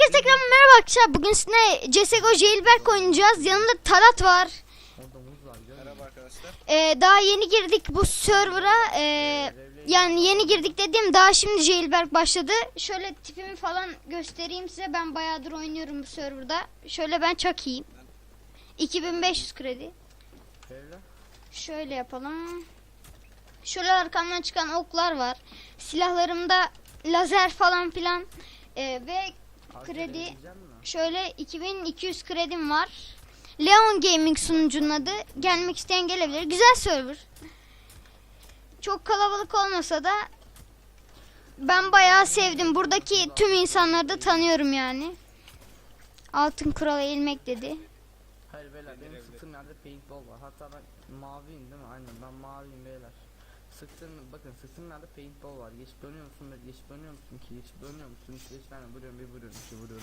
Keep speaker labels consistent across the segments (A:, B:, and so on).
A: Herkese tekrar merhaba arkadaşlar. Bugün sizinle CSGO Jailbreak oynayacağız. Yanımda Talat var.
B: Merhaba arkadaşlar.
A: Daha yeni girdik bu server'a. Yani yeni girdik dediğim daha şimdi Jailbreak başladı. Şöyle tipimi falan göstereyim size. Ben bayağıdır oynuyorum bu server'da. Şöyle ben çok iyiyim. 2500 kredi. Şöyle yapalım. Şöyle arkamdan çıkan oklar var. Silahlarımda lazer falan filan. Ve kredi şöyle 2200 kredim var. Leon Gaming sunucunun adı. Gelmek isteyen gelebilir. Güzel server. Çok kalabalık olmasa da ben bayağı sevdim. Buradaki tüm insanları da tanıyorum yani. Altın kurala eğilmek dedi.
C: Hayır beyler benim sıktığım yerde paintball var. Hatta ben maviyim değil mi? Aynen ben maviyim beyler. Bakın sıktığım yerde paintball var. Geçip dönüyor musun? Geçip dönüyor musun ki? Geçip dönüyor musun? Hiç geçip ben vuruyorum, bir vuruyorum, iki vuruyorum.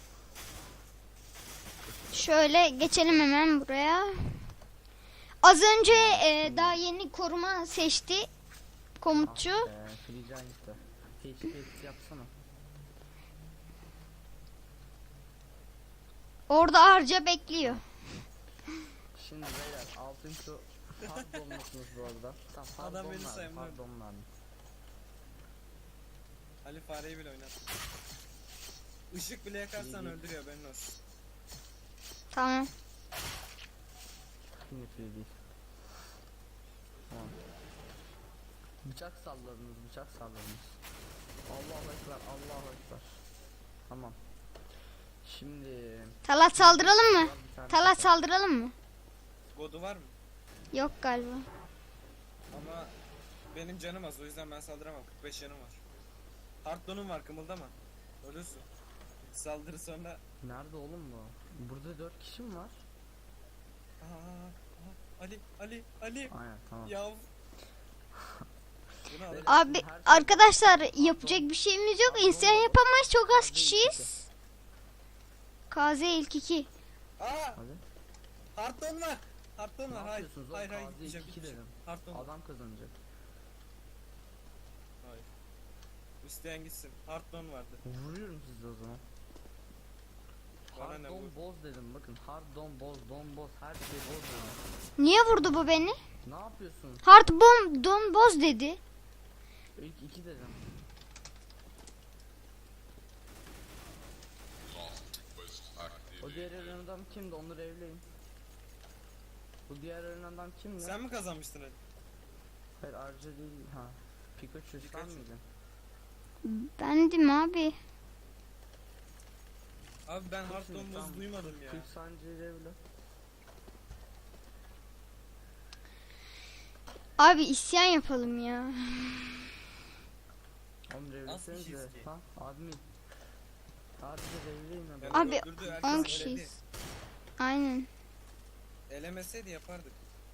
A: Şöyle geçelim hemen buraya. Az önce daha yeni koruma seçti komutçu.
C: Free Giant'ta. HP yapsana.
A: Orada harca bekliyor.
C: Şimdi beyler altın şu hard olmuşsunuz bu arada. Tamam hard
B: Adam beni
C: olmadı,
B: saymıyor.
C: hard olmadı.
B: Ali fareyi bile oynat. Işık bile yakarsan öldürüyor benim olsun.
A: Tamam.
C: Yine free değil. Tamam. Bıçak salladınız. Allahu ekber, Allahu ekber. Tamam. Şimdi
A: Talat saldıralım mı? Talat saldıralım mı?
B: Godu var mı?
A: Yok galiba.
B: Ama benim canım az, o yüzden ben saldıramam. 45 canım var. Harddon'um var, kımıldama. Ölürsün. Saldırı sonra.
C: nerede oğlum bu? Burada 4 kişi mi var?
B: Ali.
C: Aynen tamam.
B: Yav. Bunu alırım.
A: Abi arkadaşlar yapacak bir şeyimiz yok. İnsan yapamayız. Çok az kişiyiz. KZ ilk 2.
C: Hadi.
B: Hardon var. Hardon
C: Ne
B: var. Hayır.
C: yapıyorsunuz
B: Hayır,
C: oğlum?
B: hayır.
C: KZ
B: Gideceğim,
C: 2
B: gideceğim.
C: dedim.
B: Hardon var.
C: Adam kazanacak.
B: Hayır. İsteyen gitsin. Hardon vardı.
C: Vuruyorum sizi o zaman.
B: Bana ne
C: Hard
B: bu?
C: don boz dedim bakın. Hard don boz her şey boz dedim.
A: Niye vurdu bu beni?
C: Ne yapıyorsun?
A: Hard bomb don boz dedi.
C: İlk 2 dedim. O diğer ölen adam kimdi? Onları evleyin. Bu diğer ölen adam kimdi?
B: Sen mi kazanmıştın Ali?
C: Hayır Arca değil ha. Pikachu sen
B: Pikachu.
C: miydin?
A: Bendim abi.
B: Abi ben Hardon
C: Şimdi
B: boz
C: tam
B: duymadım ya.
C: 40 saniye evle.
A: Abi isyan yapalım ya.
C: Oğlum
B: Az
C: evlesenize.
B: kişiyiz ki.
C: Ha admin. Sadece evleyin
B: Yani
C: adamı.
A: Abi,
B: öldürdü,
A: 10
B: herkes
A: kişiyiz.
B: eledi.
A: Aynen.
B: Elemeseydi yapardık.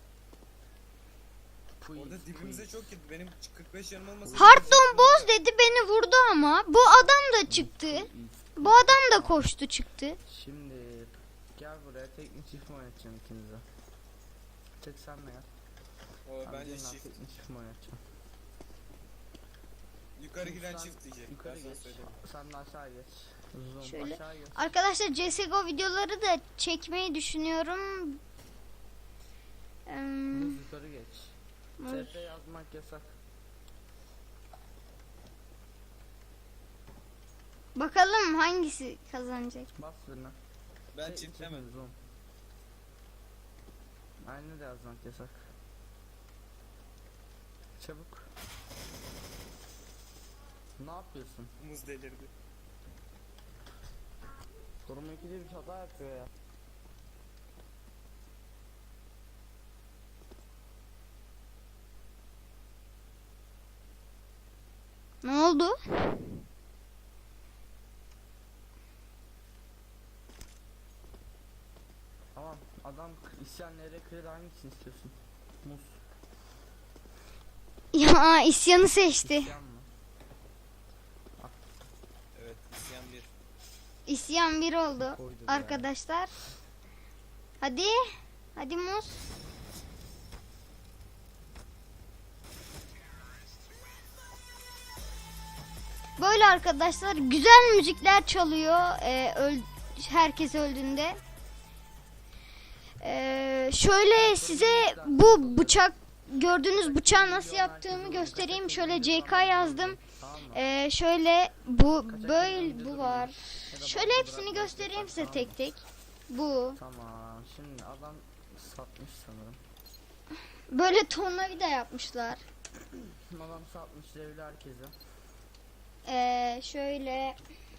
B: Orada dibimize çok gitti. Benim 45 canım olmasa.
A: Hardon boz dedi beni vurdu ama. Bu adam da çıktı. Bu adam da koştu çıktı.
C: Şimdi gel buraya teknik çift mi oynatacağım ikinize? Tek sen mi gel?
B: O bence
C: diyorum,
B: çift.
C: teknik çift mi oynatacağım?
B: Yukarı giden
C: Sen
B: çift diyecek.
C: Yukarı
B: Ben sana
C: geç.
B: söyleyeyim.
C: Sen de aşağı geç. Zoom
A: Şöyle.
C: aşağı geç.
A: Arkadaşlar CSGO videoları da çekmeyi düşünüyorum.
C: Muz yukarı geç.
A: Muz.
C: TP yazmak yasak.
A: Bakalım hangisi kazanacak.
C: Bas birine.
B: Ben çiftlemedim.
C: Zoom. Aynı da yazmak yasak. Çabuk. Ne yapıyorsun?
B: Muz delirdi.
C: Koruma 2'de bir hata yapıyor ya.
A: Ne oldu?
C: Tamam adam isyan nereye kredi hangisini istiyorsun? Muz.
A: Ya isyanı seçti.
C: İsyan mı?
B: Evet, isyan bir.
A: İsyan bir oldu
C: Koydu
A: arkadaşlar. Hadi. Hadi Muz. Böyle arkadaşlar güzel müzikler çalıyor herkes öldüğünde. Şöyle size bu bıçak gördüğünüz bıçağı nasıl yaptığımı göstereyim. Şöyle CK yazdım.
C: Tamam mı?
A: Şöyle bu böyle bu var. Şöyle hepsini göstereyim size tek tek. Bu
C: Tamam. Şimdi adam satmış sanırım.
A: böyle tornavida yapmışlar.
C: Adam satmış devli herkese.
A: Şöyle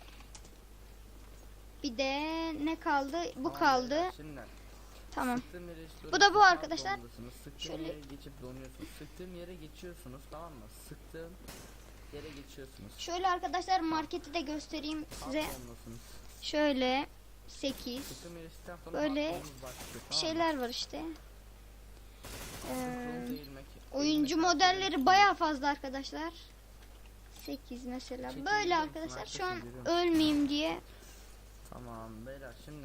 A: bir de ne kaldı? Bu
C: Tamam,
A: kaldı.
C: beyler, şimdi
A: Tamam.
C: sıktığım yere işte
A: Bu da bu
C: dönüyorsunuz,
A: arkadaşlar.
C: dondasınız. Sıktığım
A: Şöyle-
C: yere geçip donuyorsunuz. Sıktığım yere geçiyorsunuz, tamam mı? Sıktığım yere geçiyorsunuz.
A: Şöyle arkadaşlar marketi de göstereyim size.
C: Dondasınız.
A: Şöyle 8
C: Sıktığım yere geçtikten sonra
A: Böyle
C: hardonunuz başlıyor, tamam mı?
A: şeyler var işte.
C: Sıkıntı değilmek.
A: Oyuncu
C: Değilmek
A: modelleri
C: herkesin
A: bayağı fazla arkadaşlar. 8 mesela.
C: Çekil
A: Böyle
C: biliyor musun?
A: arkadaşlar şu
C: Herkes
A: an
C: görüyor.
A: ölmeyeyim diye.
C: Tamam beyler şimdi.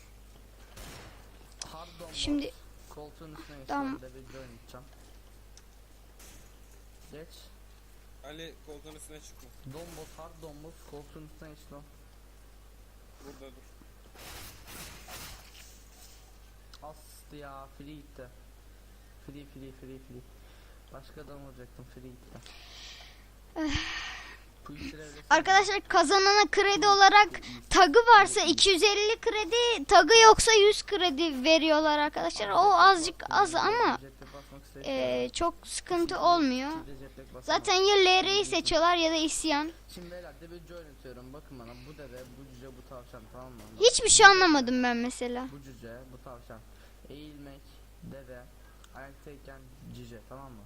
C: Hardon
A: Şimdi
C: koltuğun üstüne
A: Tamam.
C: geçiyorum da bir oynayacağım. Geç.
B: Ali koltuğun üstüne çıkma.
C: Dombos hard dombos koltuğun üstüne geç lan.
B: Burada dur.
C: Astı ya free gitti. Free. Başka adam olacaktım free gitti. Bu işleri öyle
A: arkadaşlar kazanana kredi olarak tagı varsa 250 kredi, tagı yoksa 100 kredi veriyorlar arkadaşlar. O azıcık az ama çok sıkıntı olmuyor. Zaten ya LR'yi seçiyorlar ya da isyan.
C: Şimdi beyler debeci oynatıyorum bakın bana bu deve bu cüce bu tavşan tamam mı?
A: Hiçbir şey anlamadım ben mesela.
C: Bu cüce bu tavşan. Eğilmek deve ayaktayken cüce tamam mı?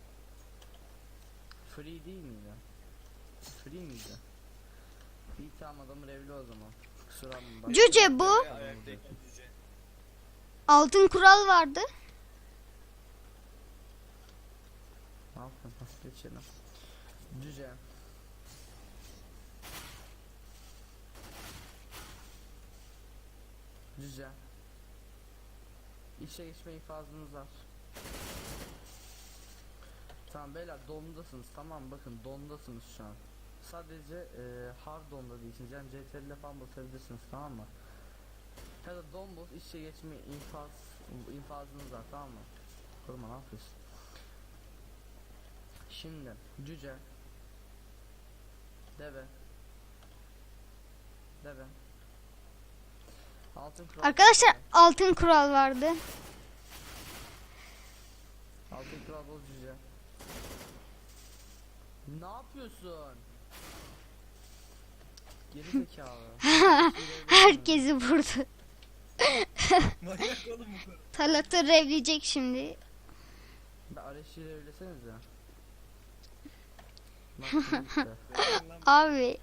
C: Free değil miydi? Free miydi? İyi tamam adamı revli o zaman. Kusura bakma.
A: Cüce bu.
B: Ayaktayken cüce.
A: Altın kural vardı.
C: Ne yaptın? Nasıl geçelim? Cüce. Cüce. İşe geçme infazınız var. Tamam beyler dondasınız tamam bakın dondasınız şu an. Sadece hard donda değilsiniz yani CTRL'e falan basabilirsiniz tamam mı? Ya da donboz işe geçme infazınız var tamam mı? Koruma ne yapıyorsun? Şimdi cüce deve altın kural
A: Arkadaşlar altın kural vardı.
C: altın kural boz cüce ne yapıyorsun? Geri zekalı.
A: Herkesi vurdu.
B: Manyak oğlum bu kadar.
A: Talat'ı revleyecek şimdi.
C: Bir Areşi'yle evlesenize. Bak, işte.
B: Verin lan.
A: Abi.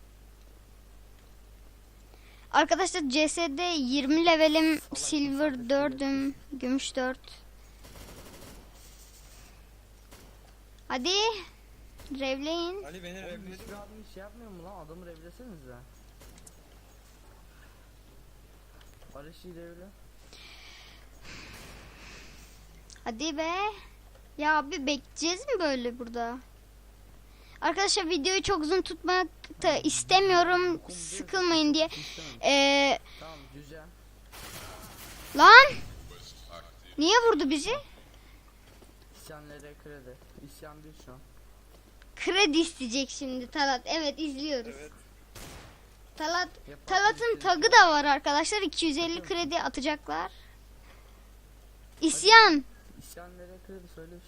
A: Arkadaşlar CS'de 20 levelim, silver 4'üm, gümüş 4. Hadi. Revleyin.
B: Ali beni
C: Oğlum
B: revledi.
C: hiçbir adam hiç yapmıyor mu lan? Adamı revlesenize. Areşi'yle evle.
A: Hadi be. Ya abi bekleyeceğiz mi böyle burada? Arkadaşlar videoyu çok uzun tutmak da istemiyorum. Sıkılmayın diye.
C: Tamam cüce.
A: Lan. Niye vurdu bizi?
C: İsyanlara kredi. İsyan bir şu an.
A: Kredi isteyecek şimdi Talat. Evet izliyoruz.
B: Evet.
A: Talat'ın tagı da var arkadaşlar. 250 kredi atacaklar. İsyan.
C: İsyanlara kredi söylemiş.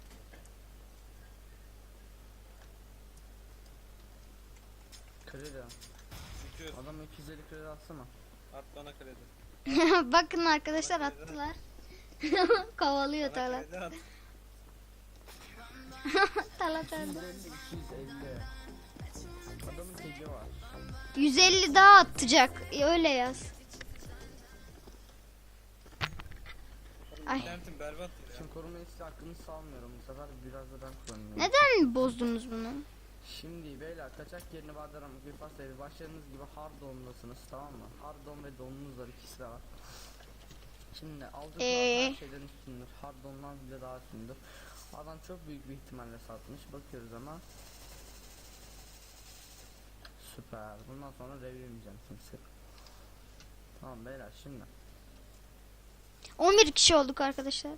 C: Kredi.
B: Çünkü
C: Adam 250 kredi atsana.
B: at bana kredi.
A: Bakın arkadaşlar attılar. Kovalıyor
B: Bana
A: Talat.
B: kredi at.
A: Talat öldü.
C: 250. Adamın teki var.
A: 150 daha atacak. Öyle yaz. Ay.
B: İnternetim berbat ya.
C: Şimdi koruma hissi hakkını salmıyorum bu sefer biraz da ben kullanıyorum.
A: Neden bozdunuz bunu?
C: Şimdi beyler kaçak yerini vardır ama bir pastayı başladığınız gibi hard donundasınız tamam mı? Hard don ve donunuz var ikisi de var. Şimdi aldık her şeyden üstündür. Hard dondan bile daha üstündür. Adam çok büyük bir ihtimalle satmış bakıyoruz ama. Süper. Bundan sonra review'lemeyeceğim kimse. Tamam beyler şimdi.
A: 11 kişi olduk arkadaşlar.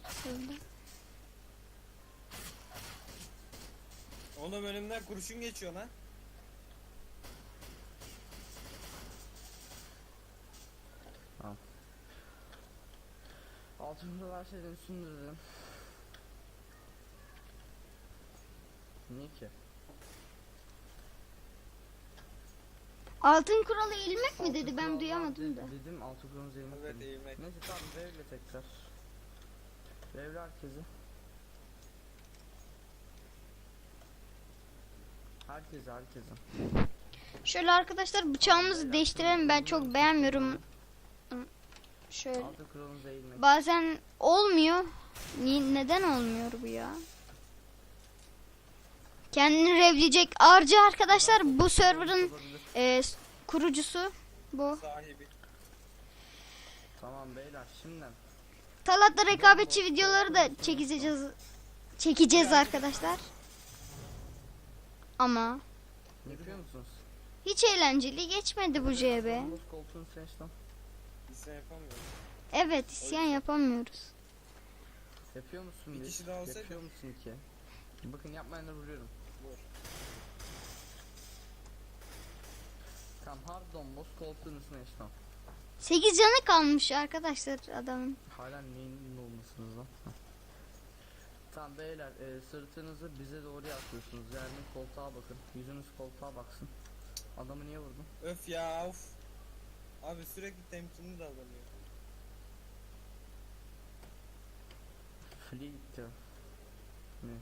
B: Oğlum önümden kurşun geçiyor lan.
C: Altımda her şeyden üstünde dedim. Niye ki?
A: Altın kuralı eğilmek mi dedi?
C: Altın
A: Ben
C: kurallar
A: duyamadım da.
C: Dedim altı kuralımızı yemek
B: Evet
C: dedim.
B: eğilmek.
C: Neyse tamam revle tekrar. Revle herkesi. Herkese.
A: Şöyle arkadaşlar bıçağımızı değiştirelim. Ben çok beğenmiyorum. Şöyle.
C: Altı kuralımızı eğilmek.
A: Bazen olmuyor. Neden olmuyor bu ya? Kendini revleyecek Arca arkadaşlar, bu server'ın kurucusu bu.
B: Sahibi.
C: Tamam beyler şimdi.
A: Talat'la rekabetçi videoları da çekeceğiz arkadaşlar. Ama
C: Yapıyor musunuz?
A: hiç eğlenceli geçmedi bu CB.
C: Boz koltuğun seçtim.
B: İsyan yapamıyorum.
A: Evet, isyan yapamıyoruz.
C: Yapıyor musun
B: Bir
C: bir?
B: kişi daha olsaydı.
C: Yapıyor musun ki? Bakın yapmayanı vuruyorum.
B: Vur.
C: Tamam hardon boz koltuğun üstüne işte.
A: 8 canı kalmış arkadaşlar adamın.
C: Hala neyin olmasınız lan? Heh. Tamam beyler sırtınızı bize doğru yapıyorsunuz. Yani koltuğa bakın. Yüzünüz koltuğa baksın. Adamı niye vurdun?
B: Öf ya of. Abi sürekli temkinli davranıyor.
C: Fleet ya. Ne?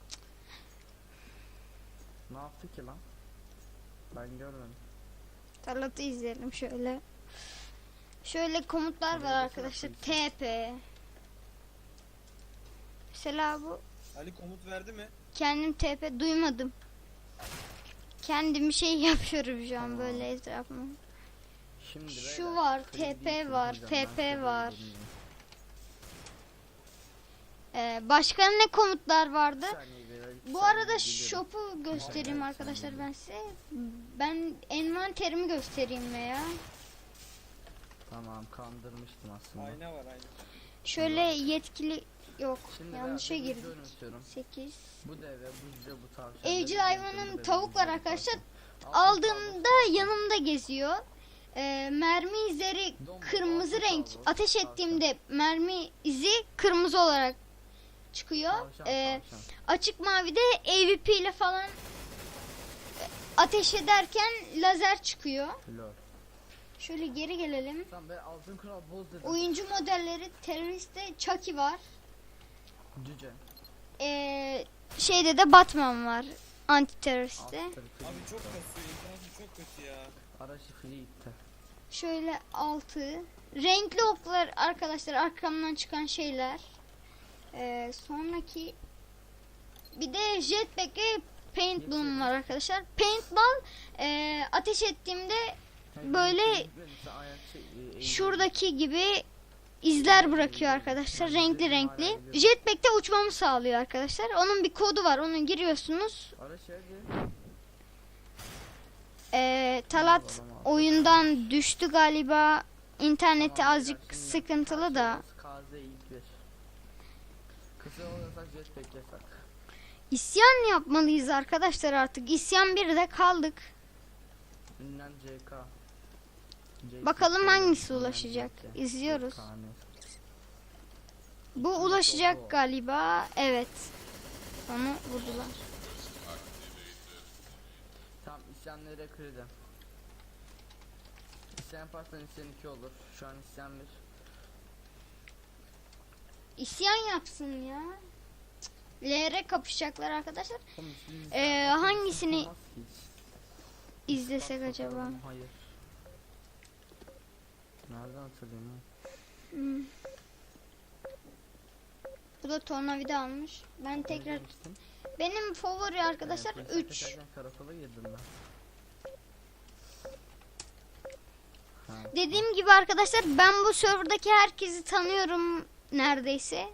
C: Ne yaptı ki lan? Ben görmedim.
A: Talat'ı izleyelim şöyle. Şöyle komutlar var arkadaşlar. TP. Mesela bu.
B: Ali komut verdi mi?
A: Kendim TP duymadım. Kendim şey yapıyorum şu an
C: Tamam.
A: böyle etrafıma.
C: Şimdi
A: Şu
C: beyler,
A: var,
C: Fleet
A: TP
C: değil,
A: var,
C: hocam, ben
A: FP
C: size
A: var.
C: bilmiyorum.
A: Başka ne komutlar vardı?
C: Bir saniye beyler, iki
A: Bu
C: saniye
A: arada
C: geliyorum.
A: shop'u göstereyim
C: Evet,
A: arkadaşlar
C: sen
A: ben size. Ben envanterimi göstereyim veya.
C: Tamam kandırmıştım aslında.
B: Ayna var ayna.
A: Şöyle yetkili yok.
C: Şimdi
A: Yanlışa
C: beyler, bir
A: girdim.
C: bölüm istiyorum.
A: 8.
C: Bu deve, bu cüce, bu tavşan.
A: Evcil
C: deve,
A: hayvanın
C: deve,
A: tavuk var
C: deve,
A: arkadaşlar.
C: tavşan.
A: Aldığımda yanımda geziyor. Mermi izleri kırmızı renk. Ateş ettiğimde mermi izi kırmızı olarak çıkıyor.
C: Tavşan, tavşan.
A: Açık mavide AWP ile falan ateş ederken lazer çıkıyor.
C: Lol.
A: Şöyle geri gelelim.
C: Tamam ben altın kral boz dedim.
A: Oyuncu modelleri teröriste Chucky var.
C: Cüce.
A: Şeyde de Batman var. Anti teröriste.
C: Alt tarafı.
B: Abi çok kasıyor. İnternet çok kötü ya.
C: Araçı Fleet'te.
A: Şöyle 6. Renkli oklar arkadaşlar, arkamdan çıkan şeyler. Sonraki bir de jetpack ve paintball'um var arkadaşlar. Paintball ateş ettiğimde böyle şuradaki gibi izler bırakıyor arkadaşlar, renkli renkli. Jetpack'te uçmamı sağlıyor arkadaşlar. Onun bir kodu var, onu giriyorsunuz.
C: Araç nerede?
A: Talat oyundan düştü galiba. İnterneti azıcık sıkıntılı da.
C: KZ ilk bir. Kısa olursak jetpack yasak.
A: İsyan yapmalıyız arkadaşlar artık. İsyan 1'de kaldık.
C: Ünlem CK.
A: Bakalım hangisi ulaşacak. İzliyoruz. Bu ulaşacak galiba. Evet. Onu vurdular.
C: Tam isyanlara kredi. İsyan yaparsan isyan 2 olur. Şu an isyan 1.
A: İsyan yapsın ya. LR kapışacaklar arkadaşlar.
C: Oğlum, siz
A: Hangisini
C: olmaz ki hiç.
A: izlesek
C: Bak
A: acaba?
C: bakalım, hayır. Nereden hatırlayayım ha?
A: Hmm. Bu da tornavida almış. Ben tekrar
C: Özlemiştim.
A: benim favori arkadaşlar
C: Evet,
A: 3.
C: geçerken karakola girdim ben. Ha,
A: Dediğim gibi arkadaşlar, ben bu serverdaki herkesi tanıyorum neredeyse.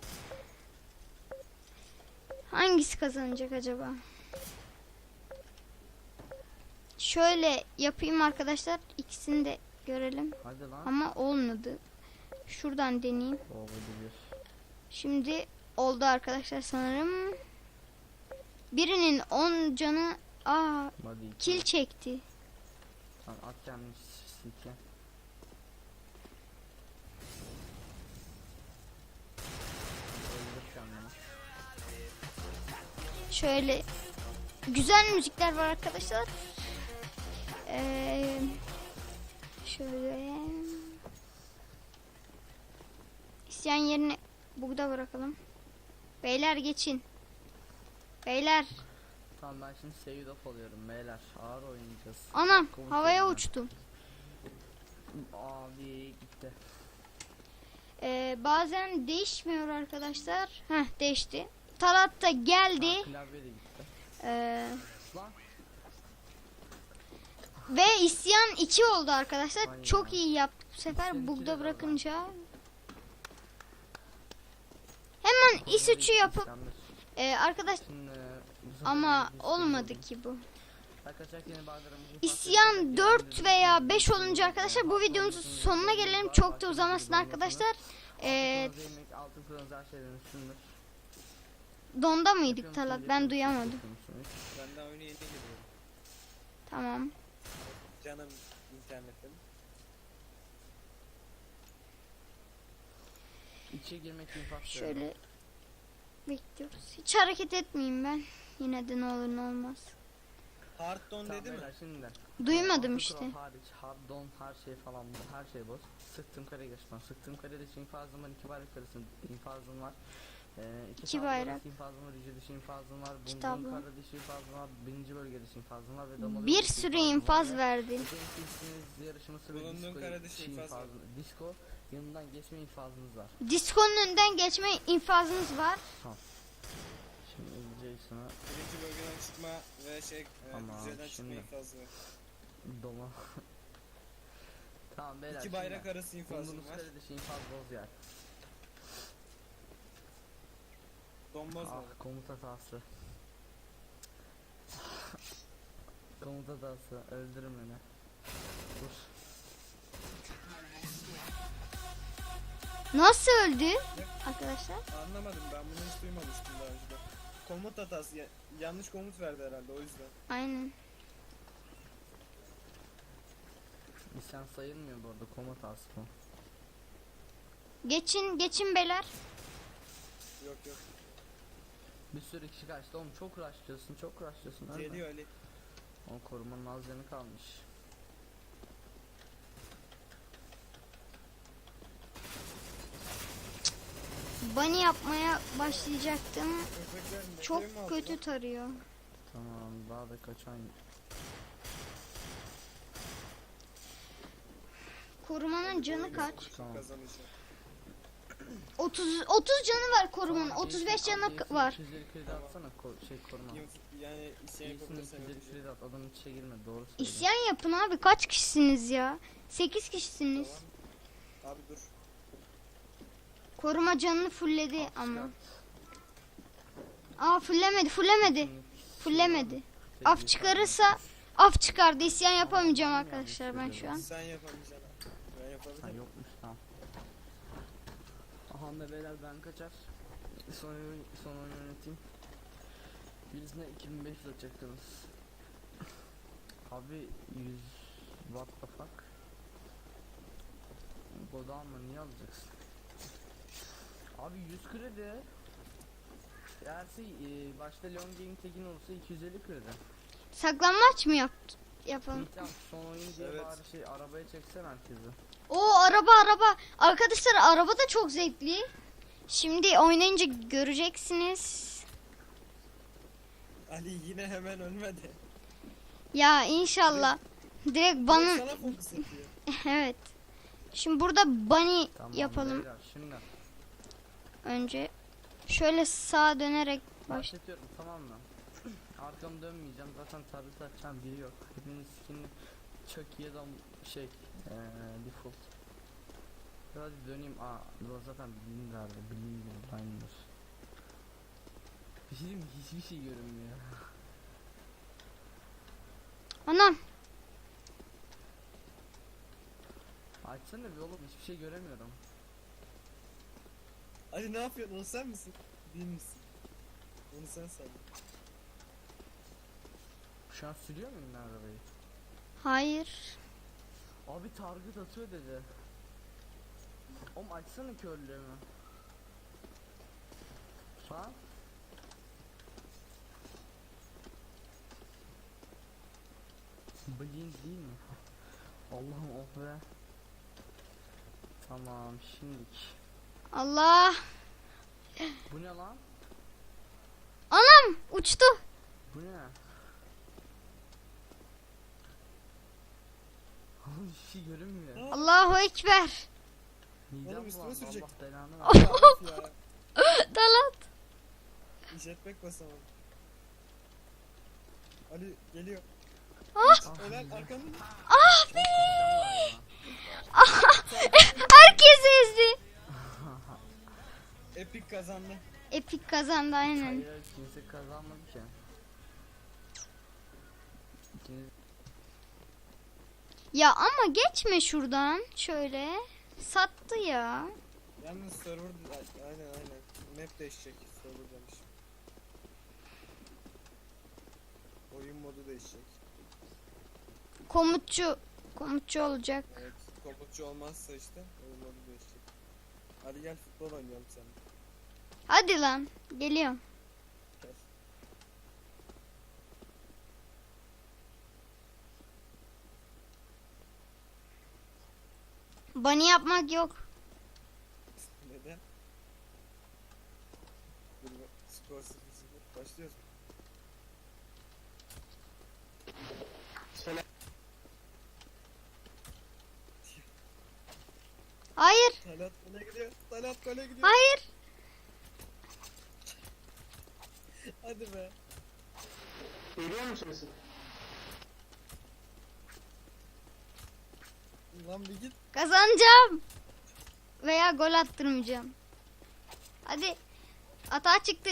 A: Hangisi kazanacak acaba? Şöyle yapayım arkadaşlar. İkisini de görelim.
C: Hadi lan.
A: Ama olmadı. Şuradan deneyeyim.
C: Oldu bir.
A: Şimdi oldu arkadaşlar sanırım. Birinin 10 canı
C: Hadi iki.
A: kill çekti.
C: Tamam, at kendini silke. Öldür kendini.
A: Şöyle güzel müzikler var arkadaşlar. Şöyle isyan yerine burada bırakalım. Beyler geçin. Beyler.
C: Tamam, ben şimdi save off alıyorum beyler. Ağır oynayacağız.
A: Anam
C: Komut
A: havaya
C: yerine.
A: uçtum.
C: Abi gitti.
A: Bazen değişmiyor arkadaşlar. Heh, değişti. Talat da geldi.
C: Klavye de gitti.
A: Ee,
C: Lan.
A: ve isyan 2 oldu arkadaşlar.
C: Aynen.
A: Çok iyi yaptık bu
C: İsyan
A: sefer.
C: 2 de
A: Bug'da
C: var
A: bırakınca. Hemen is3'ü yapıp arkadaş
C: Şimdi,
A: ama olmadı ki bu.
C: Arkadaşlar yeni bağlarımızı
A: İsyan 4 veya 5 olunca arkadaşlar bu videomuzun sonuna gelelim. Çok da uzamasın arkadaşlar.
C: Altın kırmızı her şeyden üstündür.
A: Donda mıydık Talat? Ben duyamadım.
B: Ben daha oyuna yeni giriyorum.
A: Tamam.
B: Canım internetim.
C: İçe girmek infaz.
A: Şöyle bekliyoruz. Hiç hareket etmeyeyim ben. Yine de ne olur ne olmaz.
B: Hearthstone dedi mi?
C: Şimdi.
A: Duymadım
C: Altı
A: işte.
C: kural hariç, hard don her şey falan bu. Her şey boz. Sıktım kare geçmem. Sıktım karede için infazım var. 2 bayrak arası infazım var.
A: İki bayrak.
C: infazım var. Yüce dışı infazım var.
A: Kitabı.
C: Bunun kara dışı infazım var. Birinci bölge dışı infazım var. Ve damalı
A: Bir
C: dışı
A: sürü
C: infazım
A: infaz
C: var.
A: verdi.
C: Özellikle yarışması ve
B: Bulunduğun
C: disco
B: kara dışı
C: dışı
B: infaz var.
C: Disco yanından geçme infazınız var.
A: Diskonun önünden geçme infazınız var.
C: Şimdi Jason'a
B: Birinci bölgeden çıkma ve
C: Ama
B: düzeyden çıkma
C: şimdi-
B: infazı var.
C: doma. Tamam beyler.
B: İki bayrak arası infazım
C: Bulunduğunuz
B: var.
C: kare dışı infaz boz yer.
B: Donboz var.
C: Ah, komut hatası. Komut hatası. Öldürün beni. Dur.
A: Nasıl öldü arkadaşlar?
B: Anlamadım, ben bunu hiç duymamıştım daha önce. Komut hatası yanlış komut verdi herhalde, o yüzden.
A: Aynen.
C: İsyan sayılmıyor bu arada, komut hatası bu.
A: Geçin beyler.
B: Yok yok.
C: Bir sürü kişi kaçtı oğlum, çok rushlıyorsun, çok rushlıyorsun. Ölme.
B: Geliyor Ali.
C: O korumanın az yanı kalmış.
A: Bunny yapmaya başlayacaktım.
B: Köpekler ne
A: Çok
B: mi aldı
A: kötü
B: lan?
A: tarıyor.
C: Tamam, daha da kaçan.
A: Korumanın canı kaç?
C: Tamam.
B: Kazanacak.
A: 30 canı var korumanın. 35 canı var.
C: 250 kredi atsana koruma.
B: Yani isyan
C: İyisini
B: yapabilirsen
C: 250
B: yapacak.
C: kredi at, adamın içe girme, doğru söylüyor.
A: İsyan yapın abi. Kaç kişisiniz ya? 8 kişisiniz.
B: Tamam. Abi dur.
A: Koruma canını fullledi
C: At,
A: ama.
C: çıkart.
A: Fullemedi. Fullemedi. Af çıkarırsa af çıkardı. İsyan yapamayacağım arkadaşlar ben şu an.
B: Sen yapamayacaksın. Ben
C: Ha,
B: yapabilirim.
C: yokmuş, tamam. Aha da beyler, ben kaçar. Son oyun yöneteyim. Birisine 2500 atacaktınız. Abi 100 what the fuck. Goda alma, niye alacaksın? Abi 100 kredi. Eğer başta long game tekin olursa 250 kredi.
A: Saklanmaç mı yapalım?
C: Tamam, son oyun diye
B: Evet.
C: bari arabaya çeksen herkesi.
A: O araba. Arkadaşlar araba da çok zevkli. Şimdi oynayınca göreceksiniz.
B: Ali yine hemen ölmedi.
A: Ya inşallah. Direkt bana
B: Sana fokus atıyor.
A: evet. Şimdi burada bunny
C: Tamam
A: yapalım
C: beyler, şimdi
A: önce. Şöyle sağa dönerek baş.
C: başlatıyorum, tamam mı? Arkamı dönmeyeceğim, zaten tarih atacağım biri yok. Hepiniz skinli çok iyi adam default. Hadi döneyim. Bu zaten bilin derdi, bilin aynıdır. Bir şey diyeyim mi? Hiçbir şey görünmüyor.
A: Anam
C: Açsana bir oğlum, hiçbir şey göremiyorum.
B: Ali ne yapıyorsun? O sen misin? Değil misin? Onu sen sandın.
C: Şu an sürüyor muyum ben arabayı?
A: Hayır.
C: Abi target atıyor dedi. Oğlum açsana körlüğümü. Lan. Blind değil mi? Allah'ım oh be. Tamam şimdilik.
A: Allah.
C: Bu ne lan?
A: Anam uçtu.
C: Bu ne? Oğlum hiçbir şey görünmüyor.
A: Allahu ekber.
C: Midem
B: Oğlum üstüme
C: bulandı,
B: sürecek.
C: Allah belanı
B: Ya,
C: versin.
B: of ya.
A: Talat.
B: Jetpack basamadım. Ali geliyor.
A: Ah.
B: Helal arkanda.
A: Herkes ezdi.
B: Epic kazandı.
A: Epik kazandı aynen.
C: Hayır kimse kazanmadı ki. İkiniz
A: Ya ama geçme şuradan şöyle. Sattı ya.
B: Yalnız server aynen. Map değişecek. Server demiş. Oyun modu değişecek.
A: Komutçu olacak.
B: Evet. Komutçu olmazsa işte oyun modu değişecek. Hadi gel futbol oynayalım seninle.
A: Hadi lan. Geliyorum.
B: Gel.
A: Bunny yapmak yok.
B: Neden? Dur bak. Skor 0-0. Başlıyoruz mu?
A: Hayır.
B: Talat gole gidiyor. Talat gole gidiyor.
A: Hayır.
B: Hadi be.
D: Geliyor mu sesi?
B: Lan bir git.
A: Kazanacağım. Veya gol attırmayacağım. Hadi. Hata çıktı.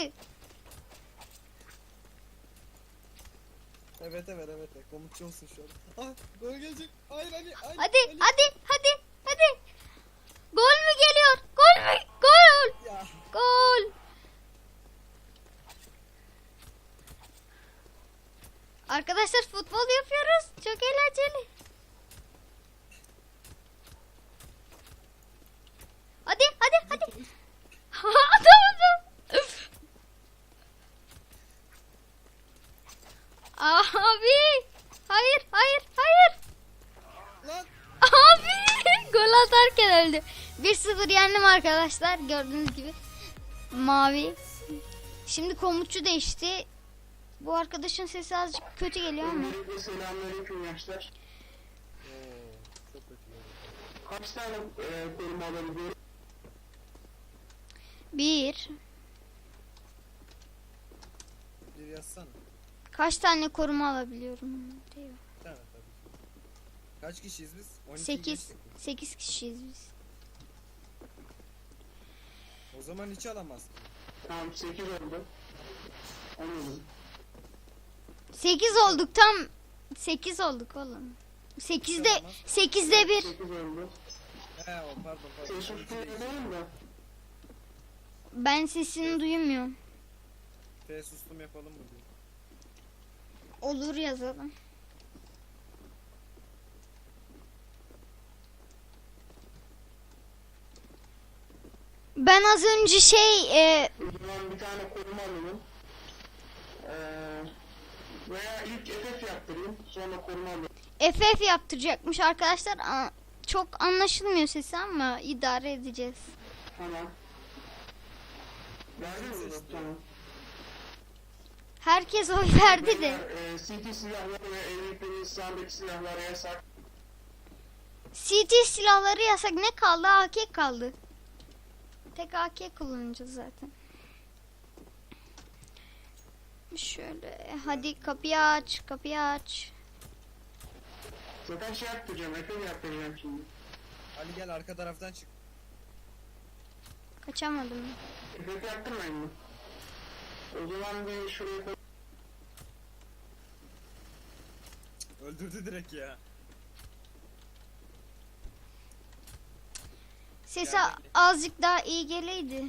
B: Evet. Komutçu olsun şu an. Ah gol gelecek. Hayır Ali. Hayır,
A: Hadi.
B: Ali.
A: Hadi. Gol mü geliyor? Gol mü? Gol.
B: Ya.
A: Gol. Arkadaşlar futbol yapıyoruz. Çok eğlenceli. Hadi. Atamadım. Abi. Hayır.
B: Lan.
A: Abi. Gol atarken öldü. 1-0 yendim arkadaşlar. Gördüğünüz gibi. Mavi. Şimdi komutçu değişti. Bu arkadaşın sesi azıcık kötü geliyor ama.
D: Öncelikle selamünaleyküm gençler.
B: Oo, çok kötü oldu.
D: Kaç tane koruma alabiliyorum?
A: 1.
B: Bir yazsana.
A: Kaç tane koruma alabiliyorum diyor.
B: Tamam tabii ki. Kaç kişiyiz biz? 12
A: 8.
B: geçtik.
A: 8 kişiyiz biz.
B: O zaman hiç alamaz.
D: Tamam 8 oldu. Anladım.
A: 8 olduk tam. 8 olduk oğlum. 8'de 1.
D: 8 oldu.
B: He o pardon.
D: Ses üstüne yazayım da.
A: Ben sesini duymuyorum.
B: F sustum yapalım mı diyor.
A: Olur yazalım. Ben az önce
D: O zaman bir tane koruma alalım. Veya ilk FF yaptırayım. Sonra koruma alalım.
A: FF yaptıracakmış arkadaşlar. Çok anlaşılmıyor sesi ama idare edeceğiz.
D: Tamam. Verdin mi? Tamam.
A: Herkes oy verdi de.
D: CT silahları ve evliliklerin İslam'daki silahlara yasak.
A: CT silahları yasak. Ne kaldı? AK kaldı. Tek AK kullanacağız zaten. Şöyle hadi kapıyı aç.
D: Zaten şey yaptıracağım. FF yaptıracağım şimdi.
B: Ali gel arka taraftan çık.
A: Kaçamadım.
D: FF yaptırmayın mı? O zaman bir şuraya koy.
B: Öldürdü direkt ya.
A: Sesi
B: Geldi.
A: azıcık daha iyi geleydi.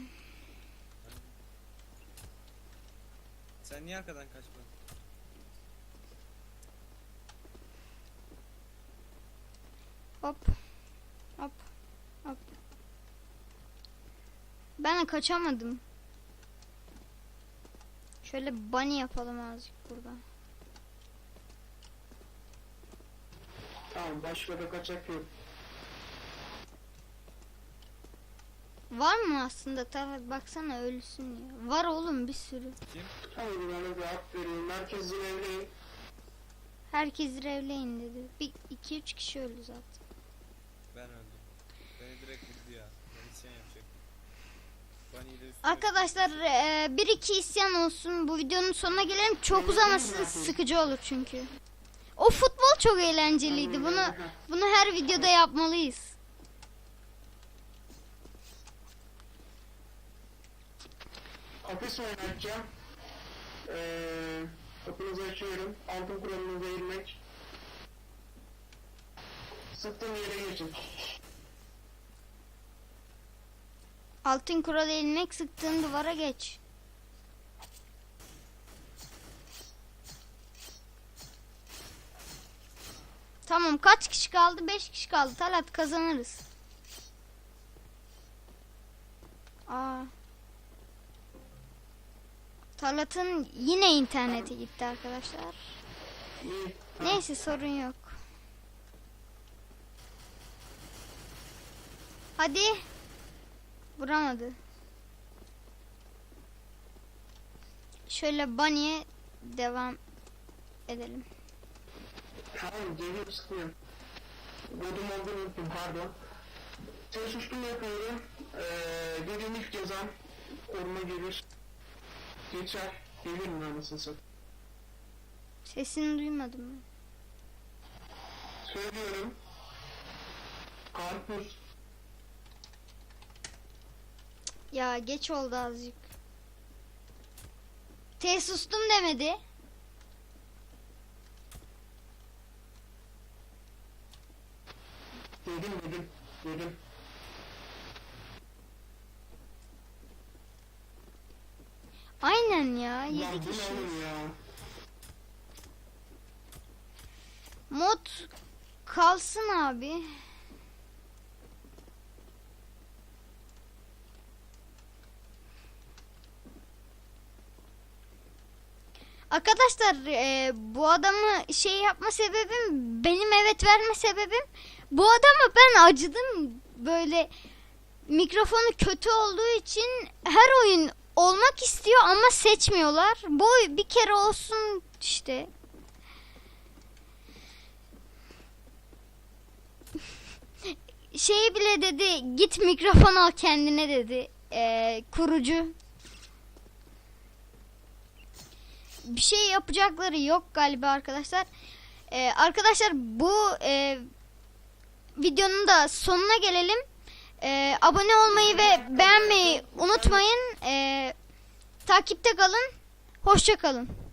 B: Sen niye arkadan kaçmadın?
A: Hop. Hop. Hop. Ben de kaçamadım. Şöyle bunny yapalım azıcık burada.
D: Tamam, başka da kaçak yok.
A: Var mı aslında? Tabii baksana ölüsün ya. Var oğlum bir sürü.
B: Kim?
D: Hadi bana bir hak veriyorum. Herkes evliyim.
A: Herkes revleyin dedi. Bir iki üç kişi öldü zaten.
B: Ben öldüm. Beni direkt vurdu ya. Ben isyan yapacak. Bunny'i de üstüme...
A: Arkadaşlar bir iki isyan olsun. Bu videonun sonuna gelelim. Çok uzamasın, sıkıcı olur çünkü. O futbol çok eğlenceliydi. Bunu her videoda yapmalıyız.
D: Hapis oynatacağım. Kapınızı açıyorum. Altın kuralınıza eğilmek. Sıktığım yere geçin.
A: Altın kural ilmek, sıktığın duvara geç. Tamam, kaç kişi kaldı? 5 kişi kaldı. Talat, kazanırız. Aa. Talat'ın yine interneti gitti arkadaşlar.
D: İyi.
A: Neyse, sorun yok. Hadi. Vuramadı. Şöyle bunny'e devam edelim.
D: Tamam, geliyorum, sıkıyorum. Godum olduğunu unuttum, pardon. Ses üstüm yapıyorum. Dediğim ilk cezam koruma gelir. Geçer. Gelir mi anasını satayım?
A: Sesini duymadım ben.
D: Söylüyorum. Karpuz.
A: Ya geç oldu azıcık. Sustum demedi.
D: Dedim.
A: Aynen ya, 7
D: Lan bu ne
A: kişi.
D: oğlum ya?
A: Mod kalsın abi. Arkadaşlar bu adamı şey yapma sebebim, benim evet verme sebebim, bu adama ben acıdım. Böyle mikrofonu kötü olduğu için her oyun olmak istiyor ama seçmiyorlar. Bu bir kere olsun işte. Şey bile dedi, git mikrofon al kendine dedi kurucu. Bir şey yapacakları yok galiba arkadaşlar. Arkadaşlar bu videonun da sonuna gelelim. Abone olmayı ve beğenmeyi unutmayın. Takipte kalın. Hoşça kalın.